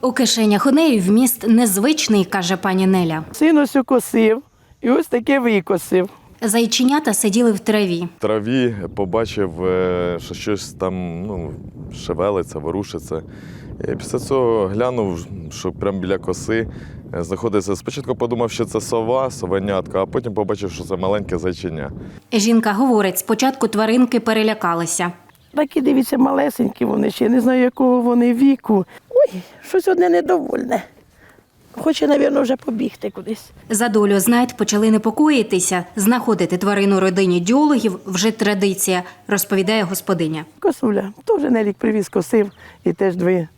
У кишенях у неї вміст незвичний, каже пані Неля. Син ось косив і ось таке викосив. Зайченята сиділи в траві. В траві побачив, що щось там шевелиться, ворушиться. І після цього глянув, що прямо біля коси знаходиться. Спочатку подумав, що це сова, совенятка, а потім побачив, що це маленьке зайченя. Жінка говорить, спочатку тваринки перелякалися. Такі, дивіться, малесенькі вони ще, не знаю, якого вони віку. Ой, щось одне недовольне. Хоче, мабуть, вже побігти кудись. За долю знайд почали непокоїтися. Знаходити тварину родині діологів вже традиція, розповідає господиня. Косуля, теж Нелік привіз, косив, і теж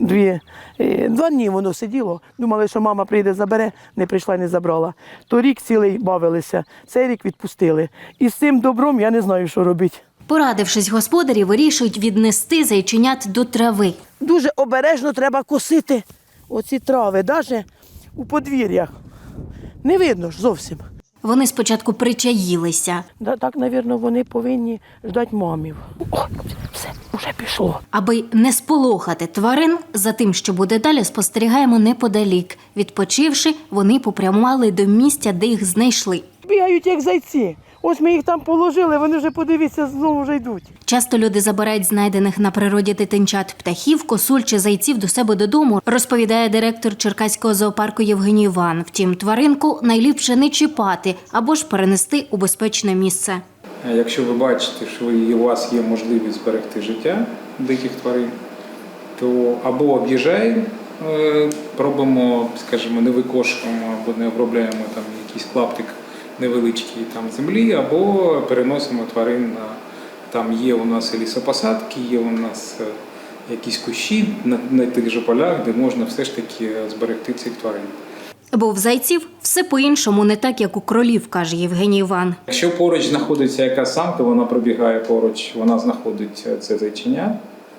два дні воно сиділо. Думали, що мама прийде, забере, не прийшла, не забрала. То рік цілий бавилися, цей рік відпустили. І з цим добром я не знаю, що робити. Порадившись, господарі вирішують віднести зайченят до трави. Дуже обережно треба косити оці трави, навіть у подвір'ях. Не видно ж зовсім. Вони спочатку причаїлися. Так, мабуть, вони повинні ждати мамів. О, все, вже пішло. Аби не сполохати тварин, за тим, що буде далі, спостерігаємо неподалік. Відпочивши, вони попрямували до місця, де їх знайшли. Бігають, як зайці. Ось ми їх там положили, вони вже, подивіться, знову вже йдуть. Часто люди забирають знайдених на природі дитинчат птахів, косуль чи зайців до себе додому, розповідає директор Черкаського зоопарку Євгеній Іван. Втім, тваринку найліпше не чіпати або ж перенести у безпечне місце. Якщо ви бачите, що у вас є можливість зберегти життя диких тварин, то або об'їжджаємо, пробуємо, скажімо, не викошуємо або не обробляємо там якийсь клаптик невеличкий там землі, або переносимо тварин на, там є у нас і лісопосадки, є у нас якісь кущі на тих же полях, де можна все ж таки зберегти цих тварин. Бо в зайців все по-іншому, не так, як у кролів, каже Євгеній Іван. Якщо поруч знаходиться якась самка, вона пробігає поруч, вона знаходить це зайченя,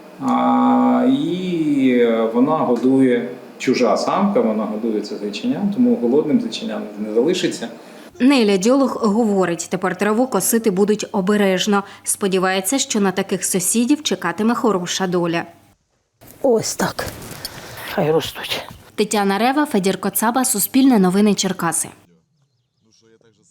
і вона годує, чужа самка, вона годує це зайченя, тому голодним зайченям не залишиться. Неля діолог говорить, тепер траву косити будуть обережно. Сподівається, що на таких сусідів чекатиме хороша доля. Ось так. Хай ростуть. Тетяна Рева, Федір Коцаба, Суспільне новини Черкаси.